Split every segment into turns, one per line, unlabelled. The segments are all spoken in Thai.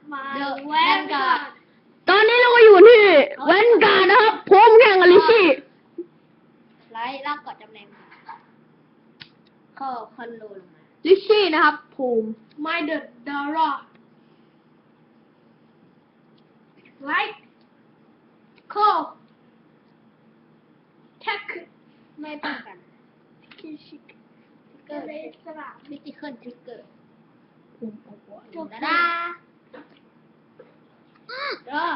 มาแวนการ์ด
ตอนนี้เราก็อยู่ที่แวนการ์ดนะครับผมแข่งกับลิชี่
ไลท์ลากกอดจำแรงเข้าคอนโดลงมา
ลิชี่นะครับภูมิ
My the Dora Light Call Tech ไม่ป้องกันทิกเกอร์สลับมิติเคิลทิกเกอร์
ภูมิเอาหัว
จบดาดา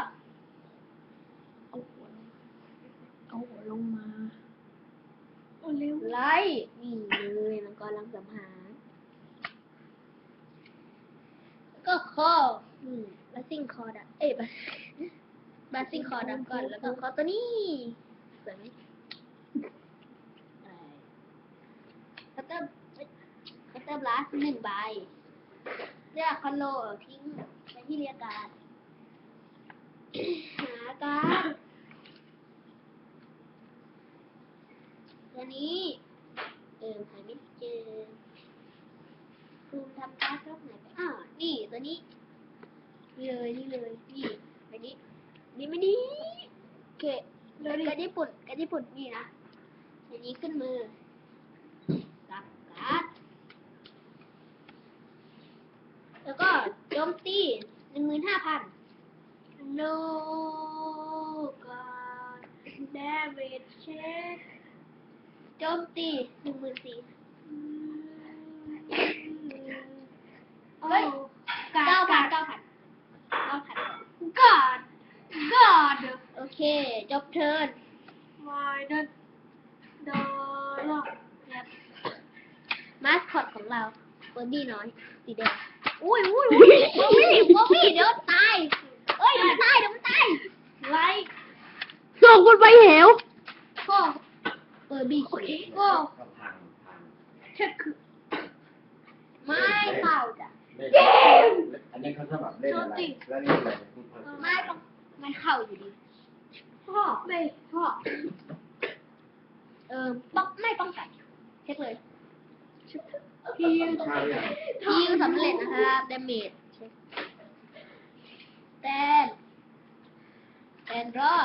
เอาหัวลงมา
ไลท์นี่เลยมันกำลังสัมหารก็คอบัสซิ่งคอร์ดบัสซิ่งคอร์ดก่อนแล้วก็คอตัวนี้สวยไหมคัตเตอร์บลัส1 ใบเรียกคอนโลทิ้งไปที่เรียกการ์ดหาการ์ดตัวนี้หาไม่เจอคุณทำการ์ดรอบไหนไปนี่ตัวนี้นี่เลยนี่ไปนี้นี่ไม่ดีโอเคการญี่ปุ่นนี่นะอันนี้ขึ้นมือกับการ์ดแล้วก็โจมตี 15,000 โลการ์ดเดวิดเช็คโจมตี 14,000 เฮ้ย9,000 God โอเคจบเทิร์น My the Dollar มาสคอตของเราเฟอร์บี้น้อยสีแดงอุ้ยบอวี่เดี๋ยวตายเอ้ยเดี๋ยวมันตายไลท์
ส่งคุณไปเหว
ก็เฟอร์บี้ก็เช็คไม่เข้าจ้ะ
อันนี้เขาสมัครเล่นอะไรแล้วนี่อะไรพูดเพิ่ม
ไม่เข้าอยู่ดีพ่อไม่ป้องกันเช็คเลยฮิวสำเร็จนะครับดาเมจแตนรอ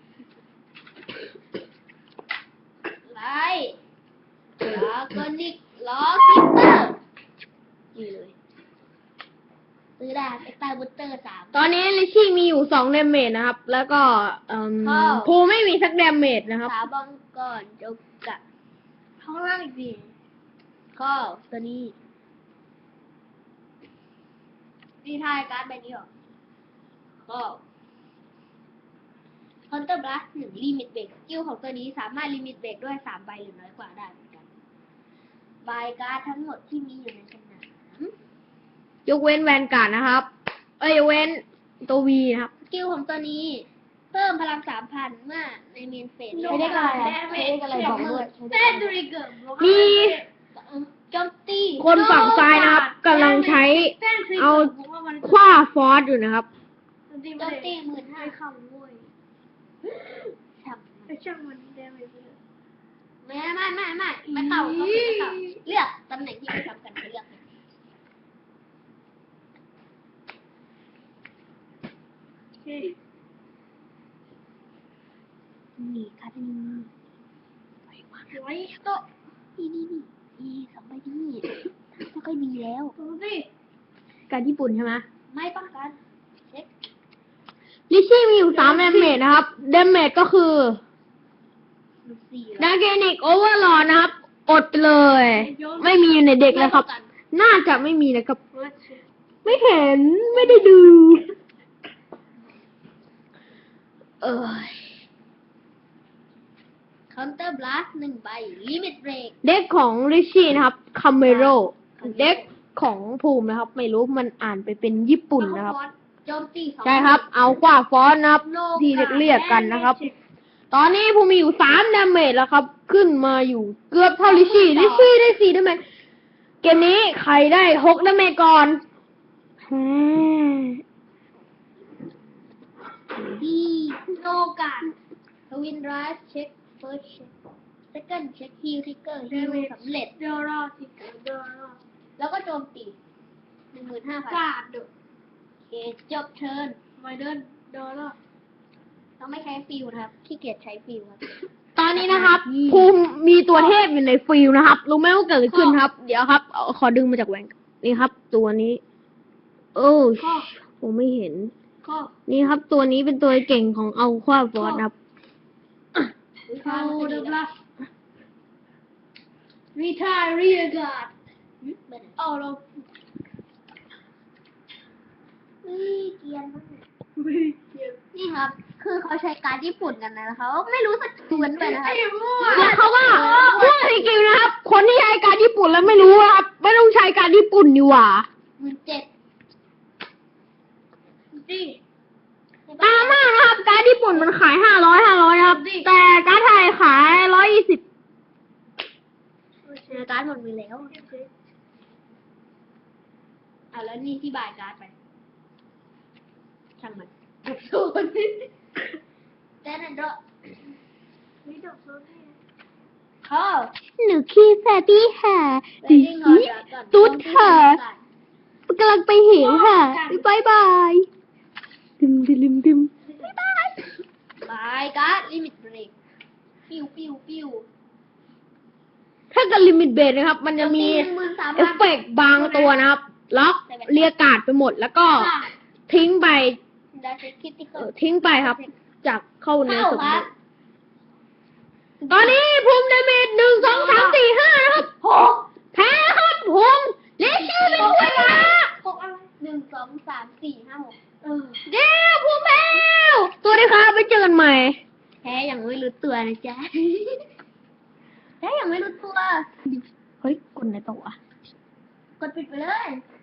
ไลท์แล้วก็นิกล้อคิปเปอร์นี่เลยซื้อได้เอ็กซ์ตร้าบูสเตอร์ 3
ตอนนี้ลิชี่มีอยู่2เดเมจนะครับ แล้วก็ภูมิไม่มีสักเดเมจนะครับ
ขาบังก่อนจบกะข้างล่างอีกทีข้อตัวนี้นี่ทายการ์ดใบนี้หรอข้อคอนเตอร์บลัส1ลิมิตเบรกสกิลของตัวนี้สามารถลิมิตเบรกด้วย3 ใบหรือน้อยกว่าได้เหมือนกันใบการ์ดทั้งหมดที่มีอยู่ในสนาม
ยกเว้นแวนการ์ดนะครับยกเว้นตัววีนะครับ
สกิลของตัวนี้เพิ่มพลัง 3,000 เมื่อในเมนเฟส
ใช้ได้อะไรบอกด้วย
เต้นดูริเกิร์
มี
โจมตี
คนฝั่งซ้ายนะครับกำลังใช้เอาคว้าฟอสอยู่นะครับ
โจมตี 15,000เข้าโว้ยช่างมันได้ไหมไม่เข้าเลือกตำแหน่งที่ไม่ทำกันไปเลือกนี่ค่ะนี่ไว้โต๊ะนี่2 ใบนี่ไม่ค่อยดีแล้วสิ
การญี่ปุ่นใช่ไหม
ไม่ป้องกันเช็ค
ลิชี่มีอยู่3เดเมจนะครับเดเมจก็คือ
4
ดาเกนิกโอเวอร์ลอดนะครับอดไปเลย ไม่มีอยู่ในเด็กแล้วครับ น่าจะไม่มีนะครับ ไม่เห็นไม่ได้ดู
คอนเตอร์บลัส1 ใบลิมิตเบรก
เด็กของริชี่นะครับคาเมโรเด็กของภูมินะครับ ไม่รู้มันอ่านไปเป็นญี่ปุ่นนะครับ
โจมตี 2
ใช่ครับ เอาขว้าฟอนนะครับ ที่เรียกกันนะครับ ตอนนี้ภูมิมีอยู่3ดาเมจแล้วครับ ขึ้นมาอยู่เกือบเท่าลิชี่ได้4ดาเมจเกมนี้ใครได้6ดาเมจก่อน
ดีโนกาดทวินไรส์เช็คเฟิร์สเช็คเซคันด์เช็คฮิลทิกเกอร์ฮิลสำเร็จแล้วก็โจมตี 15,000 กาดเคจบเทิร์นไม่เดินแล้วต้องไม่ใช้ฟิวนะครับขี้เกียจใช้ฟิวครับ
ตอนนี้นะครับ ภูมิมีตัวเทพอยู่ในฟิลนะครับ รู้ไหมว่าเกิดอะไรขึ้นครับ เดี๋ยวครับขอดึงมาจากแหวนนี่ครับ ตัวนี้ โอ้ผมไม่เห็น นี่ครับ ตัวนี้เป็นตัวเก่งของอัลควาฟอร์ดครับ
เข้าเดิมละรีทายรีกาดเอาเราเกียนมากนี่ครับ คือเขาใช้การดญี่ปุ่นกันนะเขาไม่รู้สักส่วนไปนะครับ
แล้วเขาก็พูดจริงๆนะครับ คนที่ใช้การญี่ปุ่นแล้วไม่รู้นะครับ ไม่ต้องใช้การญี่ปุ่นดีกว่า
17จริง
ตามมากนะครับ การญี่ปุ่นมันขาย500ครับ แต่การไทยขาย120
การดหมดมือแล้วแล้วนี่ที่บายการ์ดไปช่างมันจบโซนแต่นั่นก็ไม่จบโซนเขา
หนูขี้แฟตี้ค่ะตุ๊ดค่ะกำลังไปเหวค่ะบายบายดึม
บายการ์ดลิมิตเบรกปิ้ว
ถ้ากับลิมิตเบรนะครับ มันจะมีเอฟเฟกต์บางตัวนะครับ ล็อกเรียกการ์ดไปหมด แล้วก็ทิ้งไป
ได้เช็คคิดที่เขา
ทิ้งไปครับ จากเข้าในสมมุติตอนนี้ภูมิดาเมจ1 2 3 4 5นะครับ แพ้ครับภูมิเลชี่เป็นด้วยนะ
6อะไร1 2 3 4 5 6
เย้ภูมิแพ้ตัวนี้ครับไปเจอกันใหม่
แพ้อย่างไม่รู้ตัวนะจ๊ะแพ้อย่างไม่รู้ตัว
เฮ้ยกดไหนต่อวะ
กดปิดไปเลย